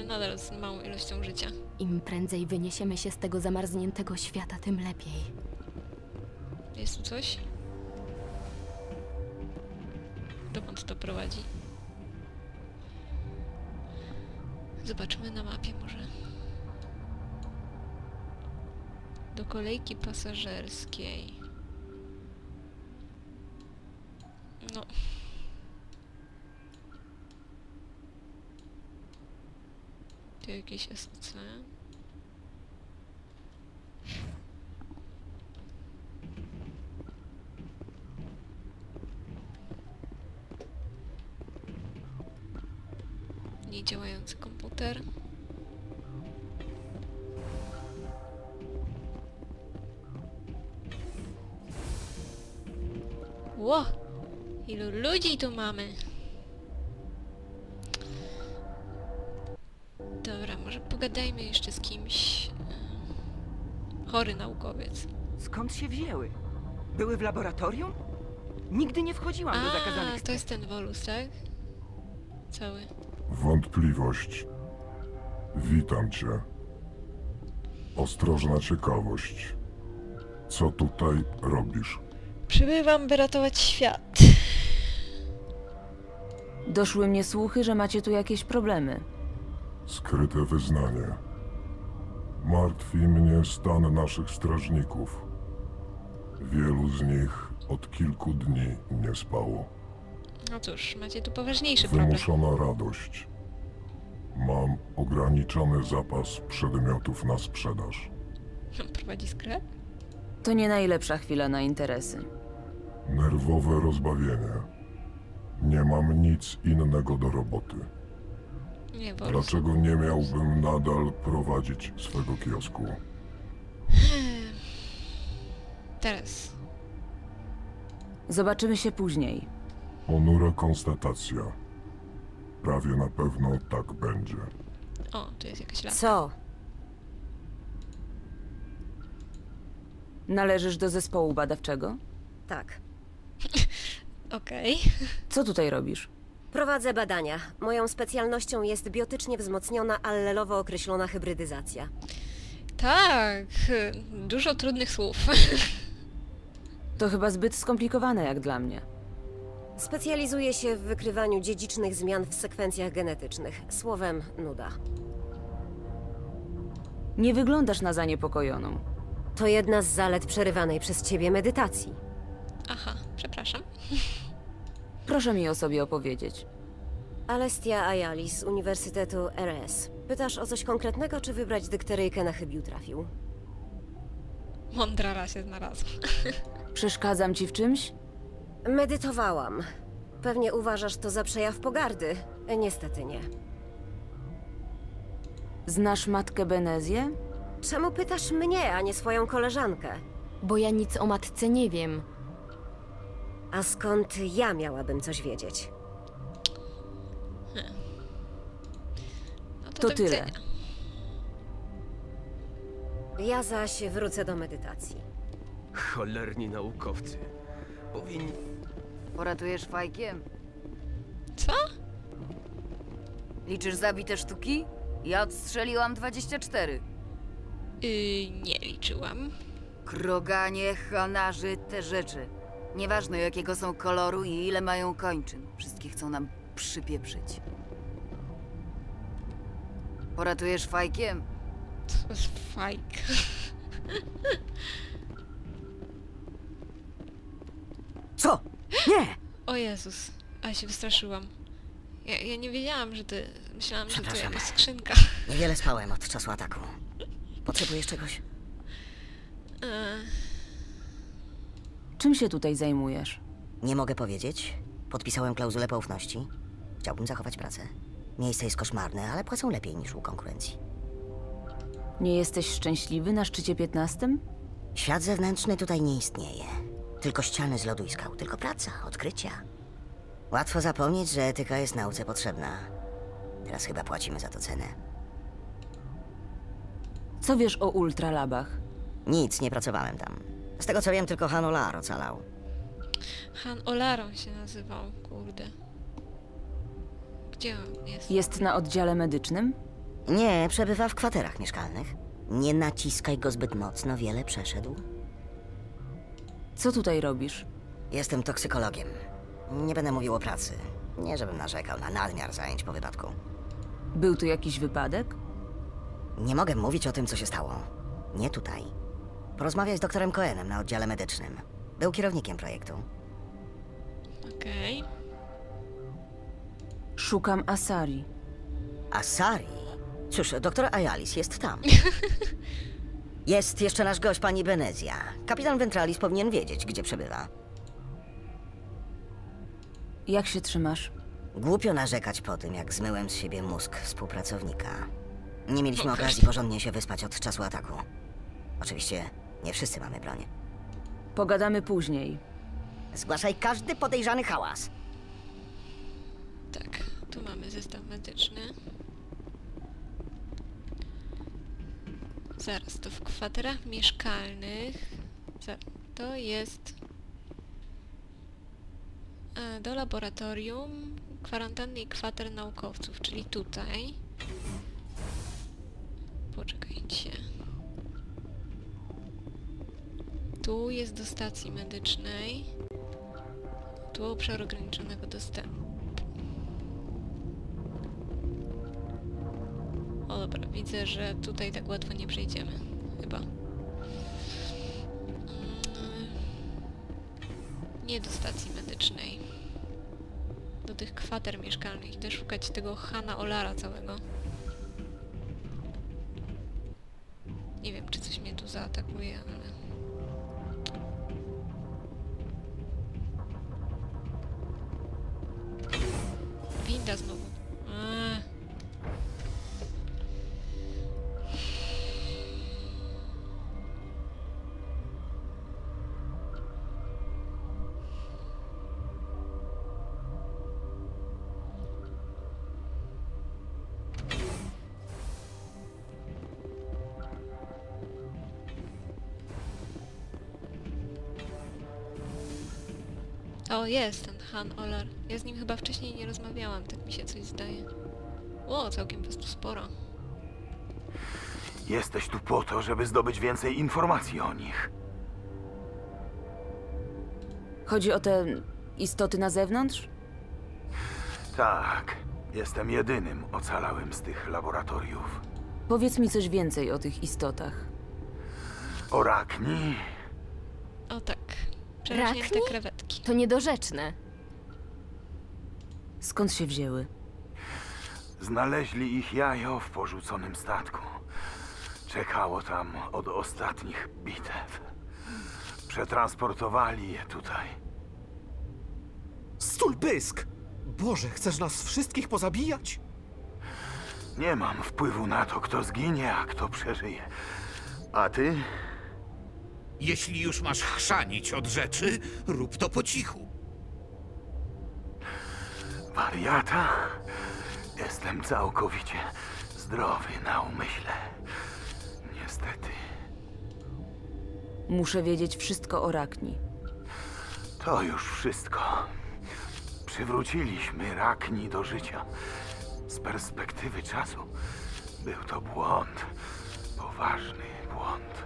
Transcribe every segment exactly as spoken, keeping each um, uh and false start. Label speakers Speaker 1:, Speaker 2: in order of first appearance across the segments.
Speaker 1: nadal z małą ilością życia.
Speaker 2: Im prędzej wyniesiemy się z tego zamarzniętego świata, tym lepiej.
Speaker 1: Jest tu coś? Dokąd to prowadzi? Zobaczymy na mapie może. Do kolejki pasażerskiej. No. Tu jakieś S C. Niedziałający komputer. Ło! Ilu ludzi tu mamy? Dobra, może pogadajmy jeszcze z kimś. Chory naukowiec.
Speaker 3: Skąd się wzięły? Były w laboratorium? Nigdy nie wchodziłam do zakazanych
Speaker 1: A, to
Speaker 3: stref.
Speaker 1: jest ten Volus, tak? Cały.
Speaker 4: Wątpliwość. Witam cię. Ostrożna ciekawość. Co tutaj robisz?
Speaker 1: Przybywam, by ratować świat.
Speaker 5: Doszły mnie słuchy, że macie tu jakieś problemy.
Speaker 4: Skryte wyznanie. Martwi mnie stan naszych strażników. Wielu z nich od kilku dni nie spało.
Speaker 1: No cóż, macie tu poważniejszy problem.
Speaker 4: Wymuszona radość. Mam ograniczony zapas przedmiotów na sprzedaż.
Speaker 1: Prowadzi sklep?
Speaker 5: To nie najlepsza chwila na interesy.
Speaker 4: Nerwowe rozbawienie. Nie mam nic innego do roboty.
Speaker 1: Nie, Volus.
Speaker 4: Dlaczego nie miałbym nadal prowadzić swego kiosku?
Speaker 1: Teraz.
Speaker 5: Zobaczymy się później.
Speaker 4: Ponura konstatacja. Prawie na pewno tak będzie.
Speaker 1: O, tu jest jakaś laska.
Speaker 2: Co?
Speaker 5: Należysz do zespołu badawczego?
Speaker 6: Tak.
Speaker 1: Okej.
Speaker 5: Co tutaj robisz?
Speaker 6: Prowadzę badania. Moją specjalnością jest biotycznie wzmocniona, allelowo określona hybrydyzacja.
Speaker 1: Tak, dużo trudnych słów.
Speaker 5: To chyba zbyt skomplikowane jak dla mnie.
Speaker 6: Specjalizuję się w wykrywaniu dziedzicznych zmian w sekwencjach genetycznych. Słowem, nuda.
Speaker 5: Nie wyglądasz na zaniepokojoną.
Speaker 6: To jedna z zalet przerywanej przez ciebie medytacji.
Speaker 1: Aha, przepraszam.
Speaker 5: Proszę mi o sobie opowiedzieć.
Speaker 6: Alestia Ayali z Uniwersytetu R S. Pytasz o coś konkretnego, czy wybrać dykteryjkę na chybił trafił?
Speaker 1: Mądrara się znalazła.
Speaker 5: Przeszkadzam ci w czymś?
Speaker 6: Medytowałam. Pewnie uważasz to za przejaw pogardy. Niestety nie.
Speaker 5: Znasz matkę Benezję?
Speaker 6: Czemu pytasz mnie, a nie swoją koleżankę?
Speaker 2: Bo ja nic o matce nie wiem.
Speaker 6: A skąd ja miałabym coś wiedzieć?
Speaker 1: No to,
Speaker 5: To
Speaker 1: do
Speaker 5: tyle.
Speaker 1: widzenia.
Speaker 6: Ja zaś wrócę do medytacji.
Speaker 3: Cholerni naukowcy. Powinni...
Speaker 7: Poratujesz fajkiem?
Speaker 1: Co?
Speaker 7: Liczysz zabite sztuki? Ja odstrzeliłam dwadzieścia cztery.
Speaker 1: Yy, nie liczyłam.
Speaker 7: Kroganie, hanarzy, te rzeczy. Nieważne jakiego są koloru i ile mają kończyn. Wszystkie chcą nam przypieprzyć. Poratujesz fajkiem?
Speaker 1: To jest fajk.
Speaker 3: Co? Nie!
Speaker 1: O Jezus, a się wystraszyłam. Ja, ja nie wiedziałam, że ty... Myślałam, że to
Speaker 8: Przepraszam.
Speaker 1: jakaś skrzynka.
Speaker 8: Niewiele spałem od czasu ataku. Potrzebujesz czegoś?
Speaker 1: E,
Speaker 5: Czym się tutaj zajmujesz?
Speaker 8: Nie mogę powiedzieć. Podpisałem klauzulę poufności. Chciałbym zachować pracę. Miejsce jest koszmarne, ale płacą lepiej niż u konkurencji.
Speaker 5: Nie jesteś szczęśliwy na szczycie piętnastym?
Speaker 8: Świat zewnętrzny tutaj nie istnieje. Tylko ściany z lodu i skał. Tylko praca, odkrycia. Łatwo zapomnieć, że etyka jest nauce potrzebna. Teraz chyba płacimy za to cenę.
Speaker 5: Co wiesz o ultralabach?
Speaker 8: Nic, nie pracowałem tam. Z tego co wiem, tylko Han Olar ocalał.
Speaker 1: Han Olaron się nazywał, kurde. Gdzie on jest?
Speaker 5: Jest na oddziale medycznym?
Speaker 8: Nie, przebywa w kwaterach mieszkalnych. Nie naciskaj go zbyt mocno, wiele przeszedł.
Speaker 5: Co tutaj robisz?
Speaker 8: Jestem toksykologiem. Nie będę mówił o pracy. Nie, żebym narzekał na nadmiar zajęć po wypadku.
Speaker 5: Był tu jakiś wypadek?
Speaker 8: Nie mogę mówić o tym, co się stało. Nie tutaj. Porozmawiaj z doktorem Cohenem na oddziale medycznym. Był kierownikiem projektu.
Speaker 1: Okej.
Speaker 5: Szukam Asari.
Speaker 8: Asari? Cóż, doktor Ayalis jest tam. Jest jeszcze nasz gość, pani Benezja. Kapitan Ventralis powinien wiedzieć, gdzie przebywa.
Speaker 5: Jak się trzymasz?
Speaker 8: Głupio narzekać po tym, jak zmyłem z siebie mózg współpracownika. Nie mieliśmy okazji porządnie się wyspać od czasu ataku. Oczywiście nie wszyscy mamy broń.
Speaker 5: Pogadamy później.
Speaker 8: Zgłaszaj każdy podejrzany hałas.
Speaker 1: Tak, tu mamy zestaw medyczny. Zaraz, to w kwaterach mieszkalnych. Zaraz, to jest e, do laboratorium, kwarantanny i kwater naukowców, czyli tutaj. Poczekajcie. Tu jest do stacji medycznej. Tu obszar ograniczonego dostępu. O dobra, widzę, że tutaj tak łatwo nie przejdziemy. Chyba. Mm, Nie do stacji medycznej. Do tych kwater mieszkalnych. Idę szukać tego Hana Olara całego. Nie wiem, czy coś mnie tu zaatakuje, ale... Winda znowu. Eee. O, jest ten Han Olar. Ja z nim chyba wcześniej nie rozmawiałam, tak mi się coś zdaje. O, całkiem was tu sporo.
Speaker 9: Jesteś tu po to, żeby zdobyć więcej informacji o nich.
Speaker 5: Chodzi o te istoty na zewnątrz?
Speaker 9: Tak, jestem jedynym ocalałym z tych laboratoriów.
Speaker 5: Powiedz mi coś więcej o tych istotach.
Speaker 9: O Rakni,
Speaker 1: O tak. Przerośnięte
Speaker 2: Rakni?
Speaker 1: krewetki.
Speaker 2: To niedorzeczne.
Speaker 5: Skąd się wzięły?
Speaker 9: znaleźli ich jajo w porzuconym statku. Czekało tam od ostatnich bitew. Przetransportowali je tutaj.
Speaker 10: Stul pysk! Boże, chcesz nas wszystkich pozabijać?
Speaker 9: Nie mam wpływu na to, kto zginie, a kto przeżyje. A ty?
Speaker 10: Jeśli już masz chrzanić od rzeczy, rób to po cichu.
Speaker 9: Wariata? Jestem całkowicie zdrowy na umyśle. Niestety.
Speaker 5: Muszę wiedzieć wszystko o Rakni.
Speaker 9: To już wszystko. Przywróciliśmy Rakni do życia. Z perspektywy czasu był to błąd. Poważny błąd.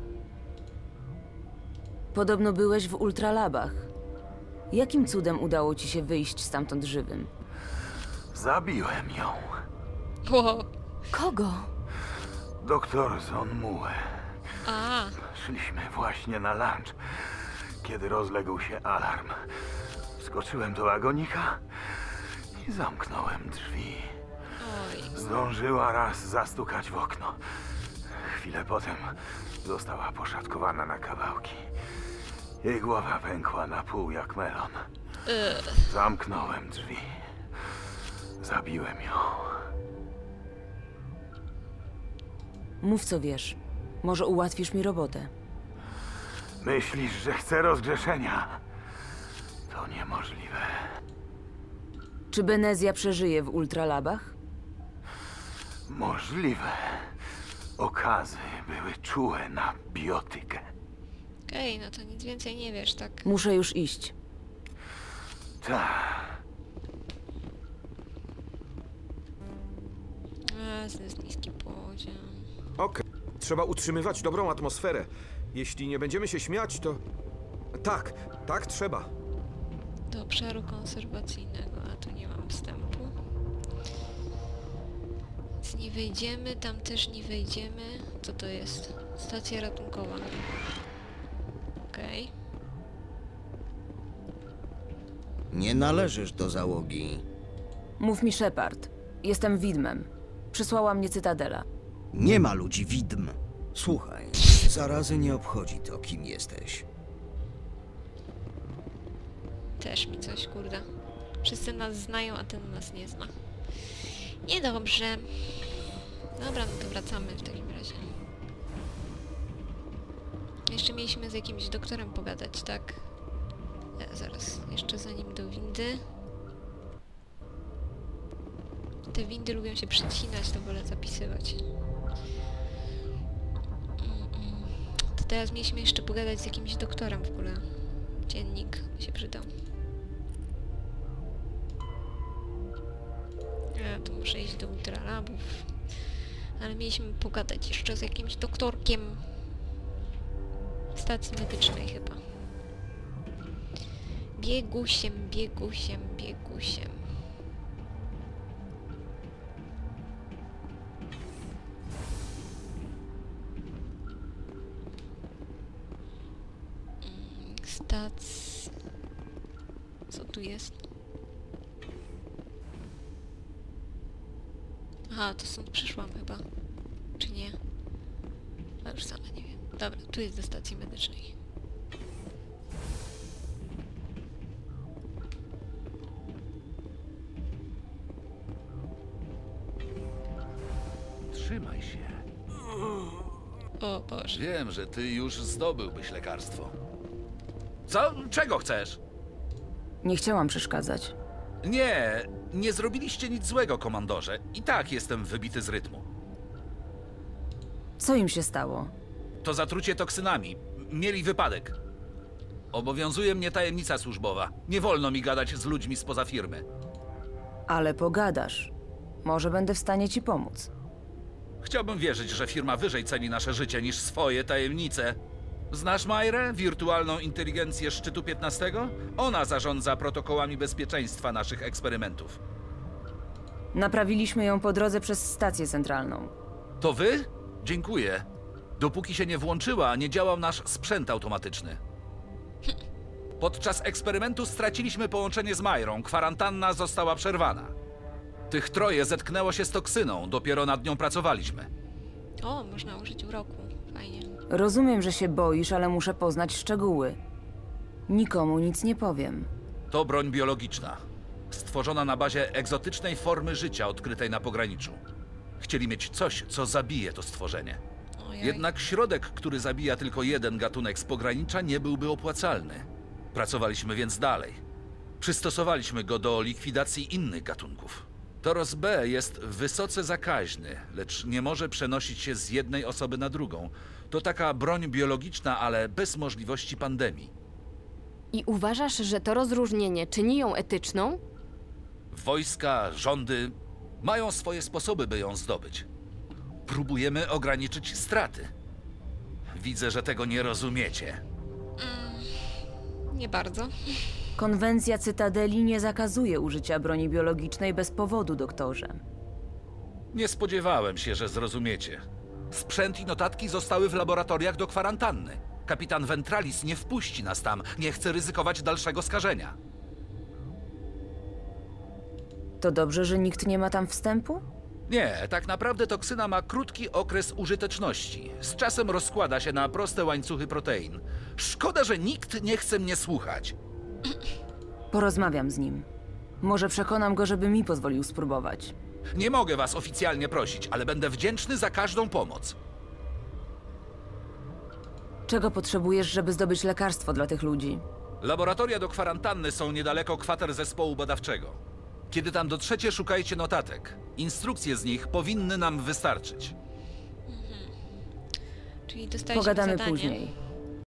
Speaker 5: Podobno byłeś w ultralabach. Jakim cudem udało ci się wyjść stamtąd żywym?
Speaker 9: Zabiłem ją.
Speaker 1: Wow.
Speaker 2: Kogo?
Speaker 9: Doktor Zonmue.
Speaker 1: A,
Speaker 9: Szliśmy właśnie na lunch, kiedy rozległ się alarm. Wskoczyłem do wagonika i zamknąłem drzwi.
Speaker 1: oj.
Speaker 9: Zdążyła raz zastukać w okno. Chwilę potem została poszatkowana na kawałki. Jej głowa pękła na pół jak melon.
Speaker 1: Ugh.
Speaker 9: Zamknąłem drzwi. Zabiłem ją.
Speaker 5: Mów co wiesz. Może ułatwisz mi robotę.
Speaker 9: Myślisz, że chcę rozgrzeszenia? To niemożliwe.
Speaker 5: Czy Benezja przeżyje w ultralabach?
Speaker 9: Możliwe. Okazy były czułe na biotykę.
Speaker 1: Okej, no to nic więcej nie wiesz, tak?
Speaker 5: Muszę już iść.
Speaker 9: Tak.
Speaker 1: Jasny, jest niski poziom.
Speaker 11: Okej. Trzeba utrzymywać dobrą atmosferę. Jeśli nie będziemy się śmiać, to... Tak, tak trzeba.
Speaker 1: Do obszaru konserwacyjnego, a tu nie mam wstępu. Więc nie wejdziemy, tam też nie wejdziemy. Co to jest? Stacja ratunkowa. Okej.
Speaker 12: Nie należysz do załogi.
Speaker 5: Mów mi Shepard. Jestem widmem. Przysłała mnie Cytadela.
Speaker 12: Nie ma ludzi widm. Słuchaj, zarazy nie obchodzi to, kim jesteś.
Speaker 1: Też mi coś, kurde. Wszyscy nas znają, a ten nas nie zna. Niedobrze. Dobra, no to wracamy w takim razie. Jeszcze mieliśmy z jakimś doktorem pogadać, tak? E, zaraz, jeszcze zanim do windy. Te windy lubią się przycinać, to wolę zapisywać. Mm-mm. To teraz mieliśmy jeszcze pogadać z jakimś doktorem w ogóle. Dziennik by się przydał. Ja tu muszę iść do ultralabów. Ale mieliśmy pogadać jeszcze z jakimś doktorkiem w stacji medycznej chyba. Biegusiem, biegusiem, biegusiem. Mm, Stac... Co tu jest? Aha, to stąd przyszłam chyba. Czy nie? A już sama nie wiem. Dobra, tu jest do stacji medycznej.
Speaker 13: Trzymaj się.
Speaker 1: O Boże.
Speaker 13: Wiem, że ty już zdobyłbyś lekarstwo. Co? Czego chcesz?
Speaker 5: Nie chciałam przeszkadzać.
Speaker 13: Nie, nie zrobiliście nic złego, komandorze. I tak jestem wybity z rytmu.
Speaker 5: Co im się stało?
Speaker 13: To zatrucie toksynami. Mieli wypadek. Obowiązuje mnie tajemnica służbowa. Nie wolno mi gadać z ludźmi spoza firmy.
Speaker 5: Ale pogadasz. Może będę w stanie ci pomóc.
Speaker 13: Chciałbym wierzyć, że firma wyżej ceni nasze życie niż swoje tajemnice. Znasz Majrę, wirtualną inteligencję szczytu piętnastego? Ona zarządza protokołami bezpieczeństwa naszych eksperymentów.
Speaker 5: Naprawiliśmy ją po drodze przez stację centralną.
Speaker 13: To wy? Dziękuję. Dopóki się nie włączyła, nie działał nasz sprzęt automatyczny. Podczas eksperymentu straciliśmy połączenie z Majrą. Kwarantanna została przerwana. Tych troje zetknęło się z toksyną. Dopiero nad nią pracowaliśmy.
Speaker 1: O, można użyć uroku. Fajnie.
Speaker 5: Rozumiem, że się boisz, ale muszę poznać szczegóły. Nikomu nic nie powiem.
Speaker 13: To broń biologiczna. Stworzona na bazie egzotycznej formy życia odkrytej na pograniczu. Chcieli mieć coś, co zabije to stworzenie.
Speaker 1: Ojej.
Speaker 13: Jednak środek, który zabija tylko jeden gatunek z pogranicza, nie byłby opłacalny. Pracowaliśmy więc dalej. Przystosowaliśmy go do likwidacji innych gatunków. Toros B jest wysoce zakaźny, lecz nie może przenosić się z jednej osoby na drugą. To taka broń biologiczna, ale bez możliwości pandemii.
Speaker 2: I uważasz, że to rozróżnienie czyni ją etyczną?
Speaker 13: Wojska, rządy mają swoje sposoby, by ją zdobyć. Próbujemy ograniczyć straty. Widzę, że tego nie rozumiecie.
Speaker 1: Mm, nie bardzo.
Speaker 5: Konwencja Cytadeli nie zakazuje użycia broni biologicznej bez powodu, doktorze.
Speaker 13: Nie spodziewałem się, że zrozumiecie. Sprzęt i notatki zostały w laboratoriach do kwarantanny. Kapitan Ventralis nie wpuści nas tam. Nie chce ryzykować dalszego skażenia.
Speaker 5: To dobrze, że nikt nie ma tam wstępu?
Speaker 13: Nie, tak naprawdę toksyna ma krótki okres użyteczności. Z czasem rozkłada się na proste łańcuchy protein. Szkoda, że nikt nie chce mnie słuchać.
Speaker 5: Porozmawiam z nim. Może przekonam go, żeby mi pozwolił spróbować.
Speaker 13: Nie mogę was oficjalnie prosić, ale będę wdzięczny za każdą pomoc.
Speaker 5: Czego potrzebujesz, żeby zdobyć lekarstwo dla tych ludzi?
Speaker 13: Laboratoria do kwarantanny są niedaleko kwater zespołu badawczego. Kiedy tam dotrzecie, szukajcie notatek. Instrukcje z nich powinny nam wystarczyć.
Speaker 1: Czyli dostaliśmy
Speaker 5: Pogadamy
Speaker 1: zadanie.
Speaker 5: później.